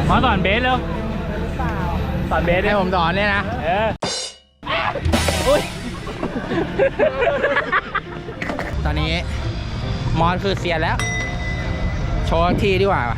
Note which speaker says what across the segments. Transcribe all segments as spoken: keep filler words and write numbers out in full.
Speaker 1: มาสอนเบสเร็วสอนเบสให้ผมสอนเนี่ยนะเอออุ้ยตอนนี้มอสคือเสียแล้วโชว์ทีดีกว่า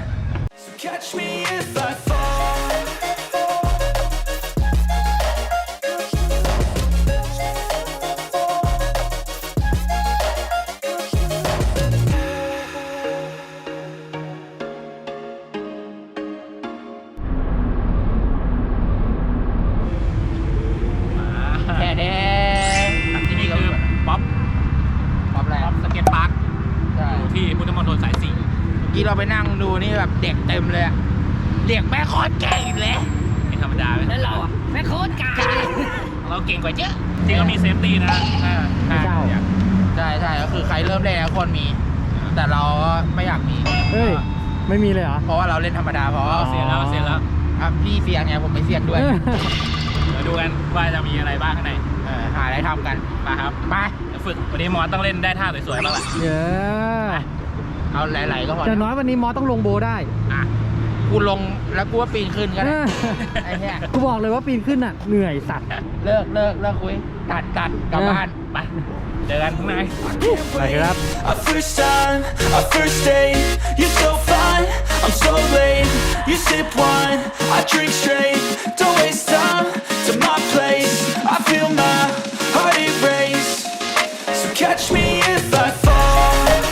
Speaker 1: แค่นี้ที่นี่คือป๊อปป๊อปอะไรป๊อปสเก็ตพาร์คอยู่ที่พุทธมณฑลสายสี่เมื่อกี้เราไปนั่งดูนี่แบบเด็กเต็มเลยเด็กแม่โคตรเก่งเลยไม่ธรรมดาเลยแล้วเราอ่ะแม่โคตรเก่งเราเก่งกว่าเยอะจริงเรามีเซฟตี้นะไม่ใช่ใช่ใช่ก็คือใครเริ่มเล่นแล้วคนมีแต่เราไม่อยากมี
Speaker 2: เฮ้ยไม่มีเลยเหรอ
Speaker 1: เพราะว่าเราเล่นธรรมดาเพราะเสียแล้วเสียแล้วครับพี่เสียงไงผมไม่เสียงด้วยมาดูกันว่าจะมีอะไรบ้างข้างในหาอะไรทำกันมาครับมาฝึกวันนี้มอสต้องเล่นได้ท่าสวยๆบ้างแหละ
Speaker 2: เยอะ
Speaker 1: เอาไหลๆก็พอ
Speaker 2: แต่น้อยวันนี้มอสต้องลงโบได้
Speaker 1: อ่ะกูลงแล้วกูว่าปีนขึ้นก็ได้ไอ้เนี่ย
Speaker 2: กูบอกเลยว่าปีนขึ้นอ่ะเหนื่อยสัตว์
Speaker 1: เลิกเลิกเลิกคุยตัดตัดกลับบ้านไปเจอกันข้างใน
Speaker 2: ไปครับ
Speaker 3: First time our first date you're so fine I'm so late you sip wine I drink straight don't waste time to my place I feel my heart erase so catch me if I fall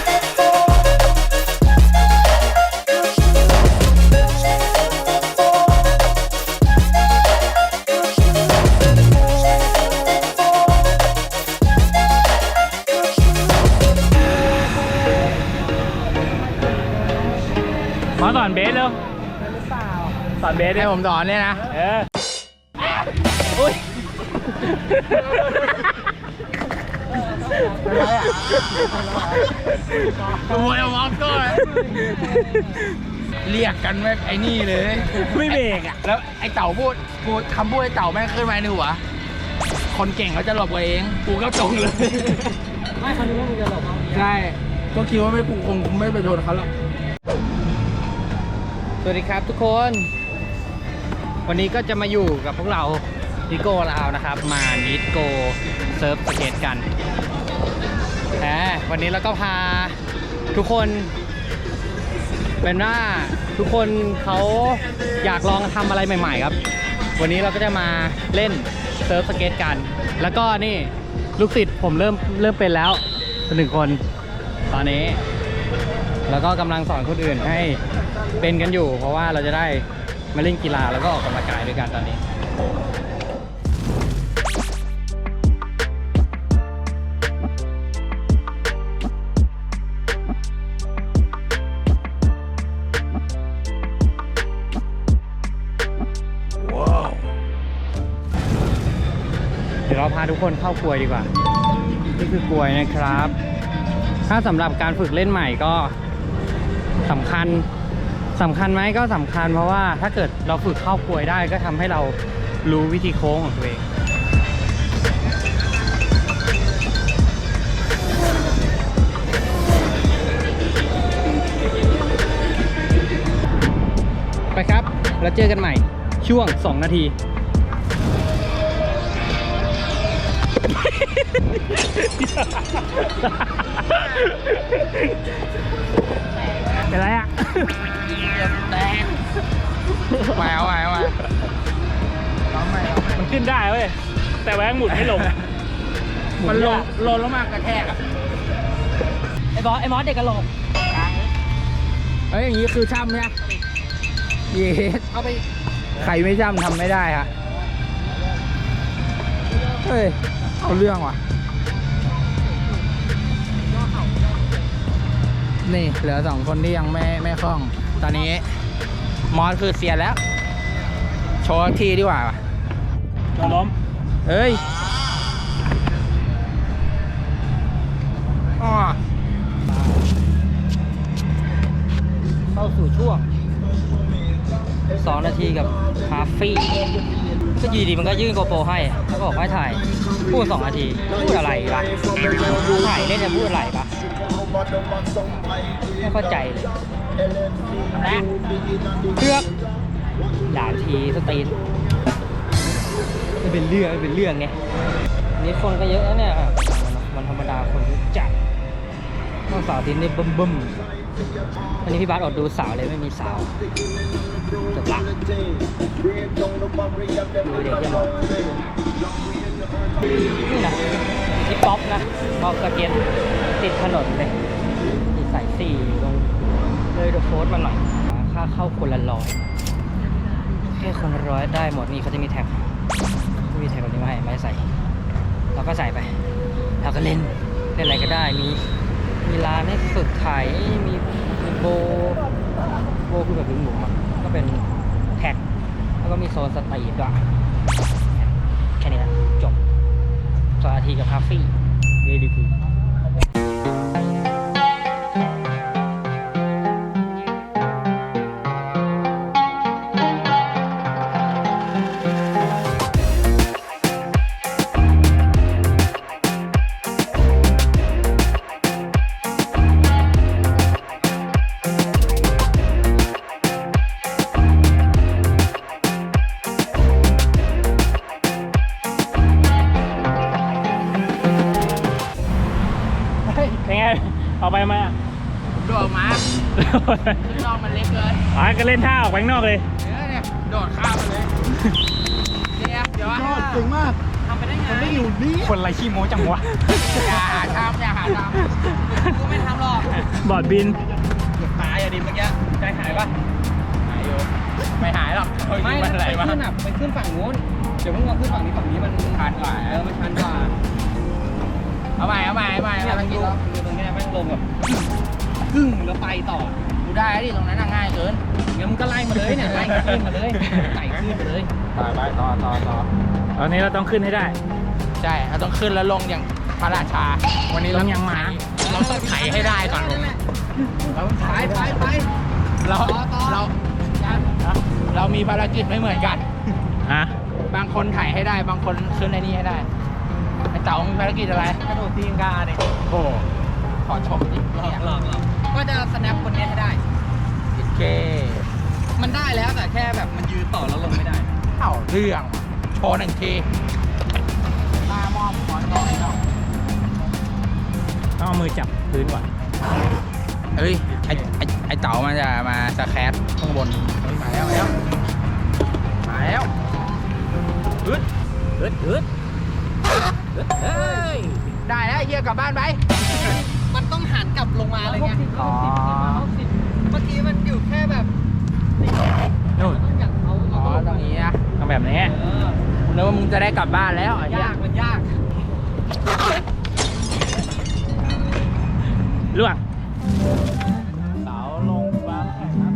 Speaker 1: มาสอนเบสเร็วสอนเบสให้ผมสอนเนี่ยนะเอออุ้ยโอ้ยมอสก็เรียกกันไม่ไอ้นี่เลยไม่เบรกอ่ะแล้วไอ้เต่าพูดกูคำพูดไอ้เต่าแม่งขึ้นมาในหัวคนเก่งเขาจะหลบเองกูก็ตรงเลย
Speaker 2: ไม่เขาคิดว่ามึงจะหลบ
Speaker 1: ใช่ก็คิดว่าไม่กูคงไม่ไปโดนเขาหรอกสวัสดีครับทุกคนวันนี้ก็จะมาอยู่กับพวกเราดิโก้ลาวนะครับมานิดโกเซิร์ฟสเก็ตกันแหมวันนี้เราก็พาทุกคนเป็นว่าทุกคนเขาอยากลองทำอะไรใหม่ๆครับวันนี้เราก็จะมาเล่นเซิร์ฟสเก็ตกันแล้วก็นี่ลูกศิษย์ผมเริ่มเริ่มเป็นแล้วเป็นหนึ่งคนตอนนี้แล้วก็กำลังสอนคนอื่นให้เป็นกันอยู่เพราะว่าเราจะได้มาเล่นกีฬาแล้วก็ออกกำลังกายด้วยกันตอนนี้ว้าวเดี๋ยวเราพาทุกคนเข้ากลวยดีกว่านี่คือกลวยนะครับถ้าสำหรับการฝึกเล่นใหม่ก็สำคัญสำคัญไหมก็สำคัญเพราะว่าถ้าเกิดเราฝึกเข้ากลวยได้ก็ทำให้เรารู้วิธีโค้งของตัวเองไปครับแล้วเจอกันใหม่ช่วงสองนาทีเป็นไรอ่ะแตกแหววแหววมันขึ้นได้เว้ยแต่แหวงหมุนไม่ลงมันลงลงแล้วมากระแทกอ่ะ
Speaker 2: ไอ้บอสไอ้มอสเด็กกระโหลก
Speaker 1: เฮ้ยอย่างนี้คือช่ำเนี่ยเย็ดเอาไปใครไม่ช่ำทำไม่ได้ฮะเฮ้ยเอาเรื่องว่ะนี่เหลือสองคนที่ยังไม่ไม่คล่องตอนนี้มอสคือเสียแล้วโชว์ทีดีกว่าจะล้มเฮ้ยอ๋อ
Speaker 2: เข้าสู่ช่วงสองนาทีกับคาฟี่ก็ยีดีมันก็ยื่นโกโปรให้แล้วก็บอกให้ถ่ายพูดสองนาทีพูดอะไรปะถ่ายเล่นจะพูดอะไรปะไม่เข้าใจเลยนะเลือกด่านทีสตรีทไม่เป็นเรื่องไม่เป็นเรื่องไงนี่คนก็เยอะนะเนี่ยอ่ะวันธรรมดาคนเยอะจัดต้องสาวทีนี่บึ้มบึ้มอันนี้พี่บาสอดดูสาวเลยไม่มีสาวจบละดูเด็กยังมองนี่นะนี่ป๊อปนะป๊อปสเก็ตติดถนนเลยติดสายสี่ลงเลยเดอะโฟสมาหน่อยค่าเข้าคนละร้อยแค่คนละร้อยได้หมดนี่เขาจะมีแท็กไม่มีแท็กแบบนี้มาให้ไม่ใส่เราก็ใส่ไปเราก็เล่นเล่นอะไรก็ได้มีมีร้านให้ฝึกถ่ายมีมีโบโบคือแบบหลุมๆอ่ะก็เป็นแท็กแล้วก็มีโซนสตรีทด้วยแค่นี้นะจบสองนาทีกับคาเฟ่เวดีกู
Speaker 4: เป็นไงเอาไปไหมอ่ะ
Speaker 1: โดดมาข้างนอกมันเล็กเกิน
Speaker 4: อ๋อก็เล่นท่าออกไปข้างนอกเลย
Speaker 1: เนี่ยเนี่ยโดดข้ามมาเลยเนี่ยเดี๋ยวว่า
Speaker 5: เก่งมาก
Speaker 1: ทำไปได้ไง
Speaker 5: มันไม่อยู่นี่
Speaker 4: คนไรขี้โม้จังวะ
Speaker 1: อย่าหาทำอย่าหาทำกูไม่ทำหรอก
Speaker 4: บอร์ดบิน
Speaker 1: เกือบตายอะดิเมื่อกี้ใจหายปะหายอยู่ไม่หายหรอกไม่
Speaker 2: ไป
Speaker 1: อะไรวะ
Speaker 2: ขึ้นอ่ะไปขึ้นฝั่งนู้นเดี๋ยวมึงมาขึ้นฝั่งนี้ฝั่งนี้มัน
Speaker 1: ชันกว่า
Speaker 2: เออมันชันกว่า
Speaker 1: เอาใหม่เอาใหม่เอาใหม่
Speaker 2: เนี่ย
Speaker 1: เอา
Speaker 2: มัน
Speaker 1: ใหม่
Speaker 2: ดูดูตรงเนี้ยแม่งลงแบบกึ่งแล้วไปต่อ
Speaker 1: กูได้ดิตรงนั้นง่ายเกิน
Speaker 2: งั้นมึงก็ไล่มาเลยเนี่ยไล่ขึ้นมาเลยไต่ขึ้นมาเลย
Speaker 1: ต่อไปต่อต่อต่อ
Speaker 4: ตอนนี้เราต้องขึ้นให้ได้
Speaker 1: ใช่เราต้องขึ้นแล้วลงอย่างพระราชา วันนี้เรา
Speaker 4: ลงอย่างหมา
Speaker 1: เราต้องไถให้ได้ก่อนลงเราต้องไถ
Speaker 2: ไปไปไป
Speaker 1: เรา
Speaker 2: ต่อต่อ
Speaker 1: เราเรามีภารกิจไม่เหมือนกัน
Speaker 4: ฮะ
Speaker 1: บางคนไถให้ได้ บางคนขึ้นในนี้ให้ได้ไอ้เต๋ามีภารกิจอะไร
Speaker 2: กระโดดตีนกาเนี่ย
Speaker 1: โอ้ขอชมดิ
Speaker 2: หลอกหลอกหลอกก็จะสแนปคนนี้ให้ได้
Speaker 1: โอเค
Speaker 2: มันได้แล้วแต่แค่แบบมันยืนต่อแล้วลงไม่ได้
Speaker 1: เอ้าเรื่องโชว์หนึ่งทีมามอบขอต่อให้เรา
Speaker 4: ต้องเอามือจับพื้นก่อน
Speaker 1: เฮ้ยไอ้ไอ้ไอ้เต๋ามันจะมาสแครตข้างบนเฮ้ยมาแล้วมาแล้วมาแล้วอึดอึดอึดอึดเฮ้ยได้แล้วเฮียกลับบ้านไป
Speaker 2: มันต้องหันกลับลงมาเลยไง
Speaker 1: อ๋อ
Speaker 2: เมื่อกี้มันอยู่แค่แบบ
Speaker 4: นู่น
Speaker 2: ต้องอยากเอา
Speaker 1: อ๋อตรงนี้นะ
Speaker 4: ทำแบบนี้
Speaker 2: เออ
Speaker 1: ผมนึกว่ามึงจะได้กลับบ้านแล้วไอ้เหี้ย
Speaker 2: ยากมันยาก
Speaker 4: ล่วง
Speaker 1: เต๋าลงบ้านแข่งครับ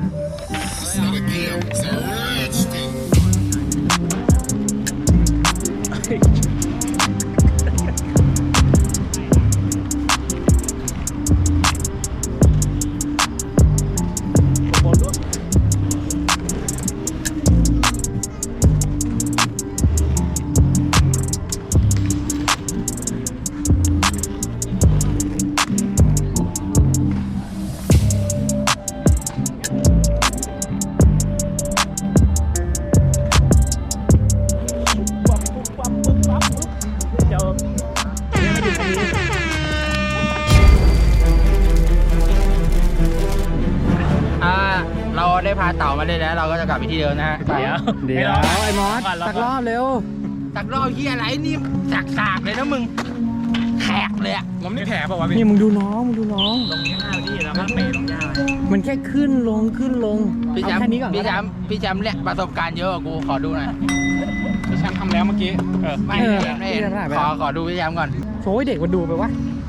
Speaker 4: เจ้าเนี่ยไม่ถึงตรงนี้
Speaker 1: อ่าเราได้พาเต่ามาได้แล้ว เราก็จะกลับไปที่เดิมนะฮะ
Speaker 4: เดี๋ยว
Speaker 2: เดี๋ยว
Speaker 4: ให้
Speaker 2: ไอ้มอส
Speaker 4: ก่น
Speaker 2: สักรอบเร็ว
Speaker 1: จากรอบที่อะไรนี่จากสากเลยนะมึงแขกเลยอะผมนี่แขกป่าวะพี่
Speaker 2: นี่มึงดูน้องมึงดูน้อง
Speaker 4: ลงหน้าพี่แล้วก็เปลงหญ้าไป
Speaker 2: มันแค่ขึ้นลงขึ้นลง
Speaker 1: พี่
Speaker 2: เอา
Speaker 1: แชมป์
Speaker 2: แค่นี้ก่อน
Speaker 1: พี่
Speaker 2: ก็
Speaker 1: แช
Speaker 2: ได้
Speaker 1: มป์พี่แชมป์เนี่ยประสบการณ์เยอะกว่ากูขอดูหน่อย
Speaker 4: พี่แชมป์ทำแล้วเมื่อกี้ เออ
Speaker 1: ไม่
Speaker 2: เออ
Speaker 1: เห็นไม่เห็น
Speaker 2: พี่แชมป์ถ่ายไป
Speaker 1: ขอ
Speaker 2: แล้ว
Speaker 1: ขอดูพี่แชมป์ก่อน
Speaker 2: โอ้ยเด็กมันดูไปวะ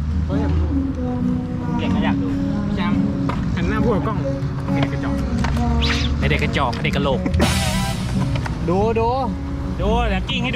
Speaker 4: เก่งก็อยากดู
Speaker 1: พี่แชมป์
Speaker 4: หันหน้าพูดกับกล้องเด็กกระจอกเด็กกระจอกเด็กกระโหลก
Speaker 2: ดูดู
Speaker 4: ดูเดี๋ยวกิ้งให้ดู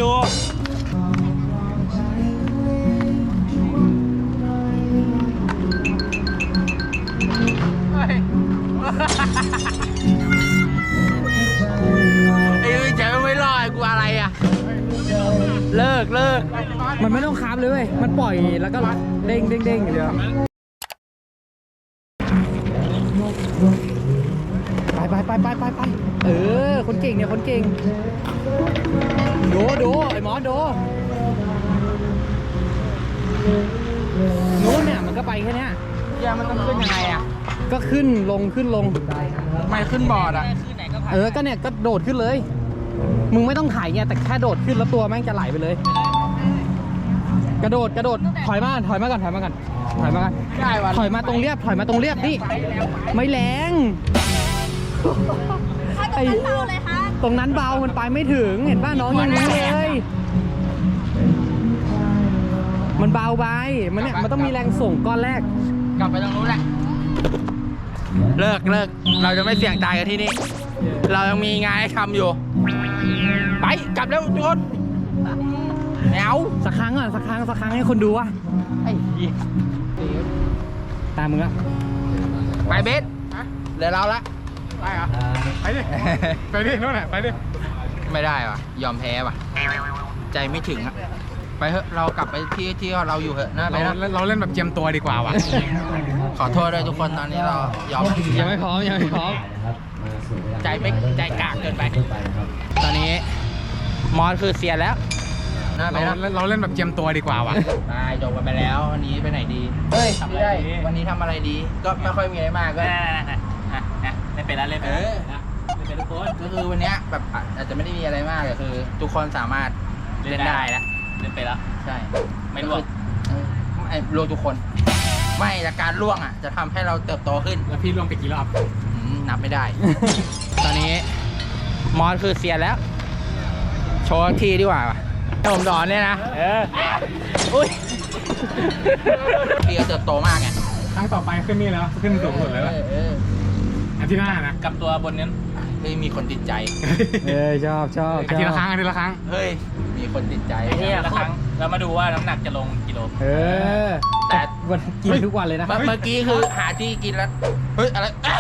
Speaker 1: ไอ้พี่แชมป์ไม่รอดกูอะไรอะเลิกเลิก
Speaker 2: มันไม่ต้องคับเลยเว้ยมันปล่อยแล้วก็เด้งเด้งเด้งอย่างเดียวไปไปไป
Speaker 1: ไปไปไปเออคนเก่งเนี่ยคนเก่งโดโดไอ้หมอโดนู้นเนี่ยมันก็ไปแค่เนี้ย
Speaker 2: เรือมันต้องขึ้นยังไงอ่ะ
Speaker 1: ก็ขึ้นลงขึ้นลง
Speaker 2: ไม่ขึ้นบอร์ดอ่ะ
Speaker 1: เออก็เนี่ยก็โดดขึ้นเลย มึงไม่ต้องถ่ายเนี่ยแต่แค่โดดขึ้นแล้วตัวแม่งจะไหลไปเลย กระโดดกระโดดถอยมาถอยมาก่อนถอยมาก่อนถอยมาก่อน
Speaker 2: ได้วัน
Speaker 1: ถอยมาตรงเรียบถอยมาตรงเรียบนี่ไม่แรง
Speaker 5: ถ้าตรงนั้นเบาเลยคะ
Speaker 1: ตรงนั้นเบามันไปไม่ถึงเห็นป่ะน้องยังรู้เลย มันเบาไปมันเนี่ยมันต้องมีแรงส่งก้อนแรก
Speaker 2: กลับไปตรงนู้นแหละ เลิกเลิกเราจะไม่เสี่ยงตายกันที่นี่ เรายังมีงานให้ทำอยู่ ไปกลับแล้วทุกคนแนว
Speaker 1: สักครั้งก่อนสักครั้งสักครั้งให้คนดูว่า
Speaker 2: ไอ้เหี้ย
Speaker 1: ตามมึงอะ
Speaker 2: ไปเบสเหลือเราละ
Speaker 4: ไปเหรอไปดิไปดิโน่นแหละไปดิ
Speaker 2: ไม่ได้ว่ะยอมแพ้ว่ะ ใจไม่ถึงอะไปเถอะเรากลับไปที่ที่เราอยู่เถอะนะไป
Speaker 4: เรา
Speaker 2: นะ
Speaker 4: เราเล่นแบบเจียมตัวดีกว่าว่ะ
Speaker 2: ขอโทษด้วยทุกคนตอนนี้เรายอม
Speaker 1: ยังไม่พร้อมยังไม่พร้อม
Speaker 2: ใจไม่ใจกากเกินไป ตอนนี้มอสคือเสียแล้วนะไป
Speaker 4: เรา
Speaker 2: นะ
Speaker 4: เราเล่นแบบเจียมตัวดีกว่าว่ะ
Speaker 2: ตายจบกันไปแล้ววันนี้ไปไหนดีเฮ้ยไม่ได้วันนี้ทำอะไรดี ก็ไม่ค่อยมีอะไรมากก็
Speaker 1: ไม่เป็นแล้วเล่น
Speaker 2: เออ
Speaker 1: ไม่เป็นทุกคน
Speaker 2: ก็คือวันเนี้ยแบบอาจจะไม่ได้มีอะไรมากแต่คือ ทุกคนสามารถเล่นได้แล้ว
Speaker 1: เล่นไปแล้ว
Speaker 2: ใช่
Speaker 1: ไม่ร่วง
Speaker 2: เออไม่ร่วงทุกคน ไม่แต่การร่วงอ่ะจะทำให้เราเติบโตขึ้น
Speaker 4: แล้วพี่ล่วงไปกี่รอบ
Speaker 2: อืมนับไม่ได้ ตอนนี้มอสคือเสียแล้ว โชว์ทีดีกว่าให้ผมสอนเนี่ยนะ
Speaker 1: เออ
Speaker 2: อุ้ยพี่ก็เติบโตมากไง
Speaker 4: ครั้งต่อไปขึ้นนี่แล้วขึ้นสูงสุดเลย
Speaker 2: เอ
Speaker 4: ล่ะ
Speaker 2: อเออ
Speaker 4: อาทิตย์หน้านะ
Speaker 1: กับตัวบนนั้น
Speaker 2: เฮ้ยมีคนติดใจ
Speaker 1: เออชอบชอบ
Speaker 4: อาทิตย์ละครั้งอาทิตย์ละครั้ง
Speaker 2: เฮ้ยมีคนติดใจ
Speaker 1: ไอ้เนี่ยละครั้งเรามาดูว่าน้ำหนักจะลงกิโลเออ
Speaker 2: แต่
Speaker 1: วันกินทุกวันเลยนะ
Speaker 2: เมื่อเมื่อกี้คือหาที่กินแล้วเฮ้ยอะไร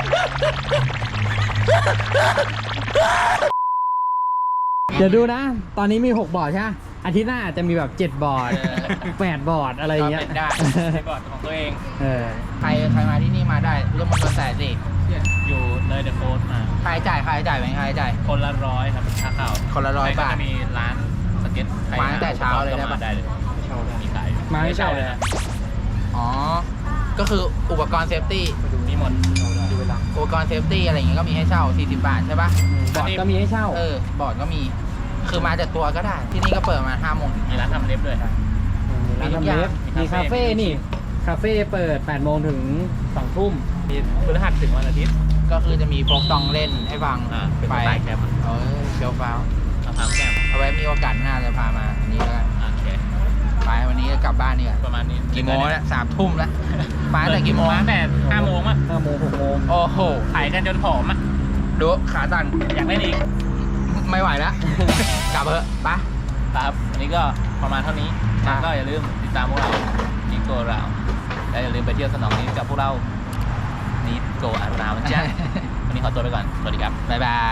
Speaker 1: เดี๋ยวดูนะ ตอนนี้มีหกบอร์ดใช่ไหมอาทิตย์หน้าอาจจะมีแบบเจ็ดบอร์ดแปดบอร์ดอะไรอย่างเงี้ย
Speaker 2: ก็เป็นได้
Speaker 1: บอร์ดของตัวเองเออ
Speaker 2: ใครใครมาที่นี่มาได้พุทธมณฑลแสนสิ
Speaker 1: อยู่เลยเดอะโฟสมา
Speaker 2: ใครจ่ายใครจ่ายเป็นใครจ่าย
Speaker 1: คนละร้อยครับค่าข้าว
Speaker 2: คนละร้อยบาท
Speaker 1: จะมีร้านสเก็ต
Speaker 2: มาตั้งแต่เช้าเลยได้ปะ
Speaker 1: ได้เลยมีขาย
Speaker 2: มาไม่เช่าเลยอ๋อ ก็คืออุปกรณ์เซฟตี้
Speaker 1: มีหมด
Speaker 2: อุปกรณ์เซฟตี้อะไรอย่างเงี้ยก็มีให้เช่าสี่สิบบาทใช่ปะ
Speaker 1: บอร์ดก็มีให้เช่า
Speaker 2: เออบอร์ดก็มี คือมาจากตัวก็ได้ ที่นี่ก็เปิดมาห้าโมงถึง
Speaker 1: มีร้านทำเล็บด้วย
Speaker 2: มี
Speaker 1: ร้าน
Speaker 2: ทุก
Speaker 1: ทำ
Speaker 2: อย่าง
Speaker 1: เล็บมีคาเฟ่นี่ คาเฟ่เปิดแปดโมงถึงสองทุ่มมีพฤหัสถึงวันอาทิตย์
Speaker 2: ก็คือจะมีโฟกซองเล่นให้ฟัง
Speaker 1: อ่าเป็น
Speaker 2: ไป
Speaker 1: สไตล์แคมป์
Speaker 2: เออเชียวฟ้าว
Speaker 1: มะพร้าวแก้ม
Speaker 2: เอาไว้มีโอกาสหน้าจะพามาอันนี้แล้วกัน
Speaker 1: โอเค
Speaker 2: ไปวันนี้ก็กลับบ้านนี่กัน
Speaker 1: ประมาณนี้
Speaker 2: กี่โมงแล้วสามทุ่มแล้วมาตั้งแต่กี่โมง
Speaker 1: มาแต่ห้าโมงอ่ะห้าโมงหกโมง
Speaker 2: โอ้โห
Speaker 1: ขายกันจนผอมอ่ะ
Speaker 2: ดูขาตัน
Speaker 1: อยากเล่นอีก
Speaker 2: ไม่ไหวแล้ว กลับเถอะไป
Speaker 1: ครับวันนี้ก็ประมาณเท่านี้
Speaker 2: ครับ
Speaker 1: ก็อย่าลืมติดตามพวกเรานิโกเราและอย่าลืมไปเที่ยวสนองนี้กับพวกเรานิโกอาราวจ้า วันนี้ขอตัวไปก่อน สวัสดีครับ
Speaker 2: บ๊ายบาย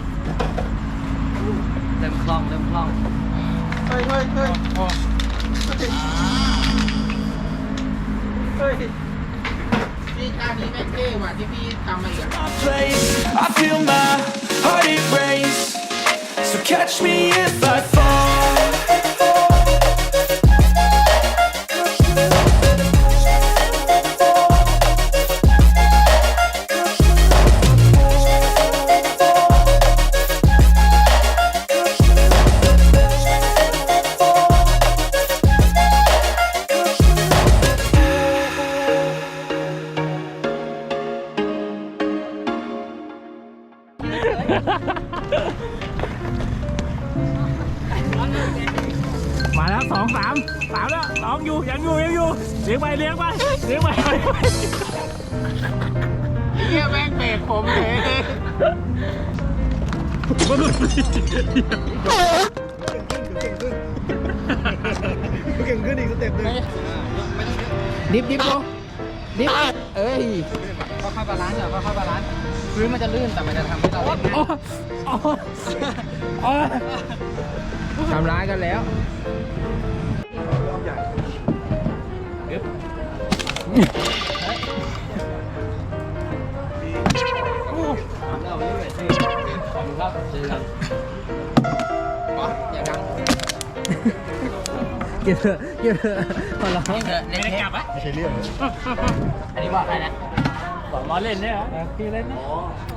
Speaker 1: เริ่มคล่องเริ่มคล่อง
Speaker 2: เฮ้ยเฮ้ยเฮ้ยโอ้เฮ้ยพี่ท่านี้แม่งเท่ว่ะที่พี่ทำมาอีกอะ
Speaker 3: My place, I feel my heart it race. So catch me if I fall.
Speaker 4: Yeah. มาแล้วสองสามสามแล้วสองอยู่ยังอยู่ยังอยู่เลี้ยงไปเลี้ยงไปเลี้ยงไป
Speaker 2: เฮียแม่งเบรกผมเลย
Speaker 1: ดิฟดิฟโลดิฟเอ้ยค่อยๆบาลานซ์อ่ะค่อยๆบาลานซ์พื้นมันจะลื่นแต่มันจะทำให้เราเล่นง่าย
Speaker 2: ทำร้ายกันแล้ว
Speaker 1: เครับเจอกันอ๋ออย่าดัง
Speaker 2: เก็บเถอะเก็บเถอะขอร้อง
Speaker 4: ไม่ได้กลับอ่ะ
Speaker 1: อันนี้ว่าอะไรนะ
Speaker 4: บอกล้อเล่นเนี่ยเหรอพี่เล่นนะ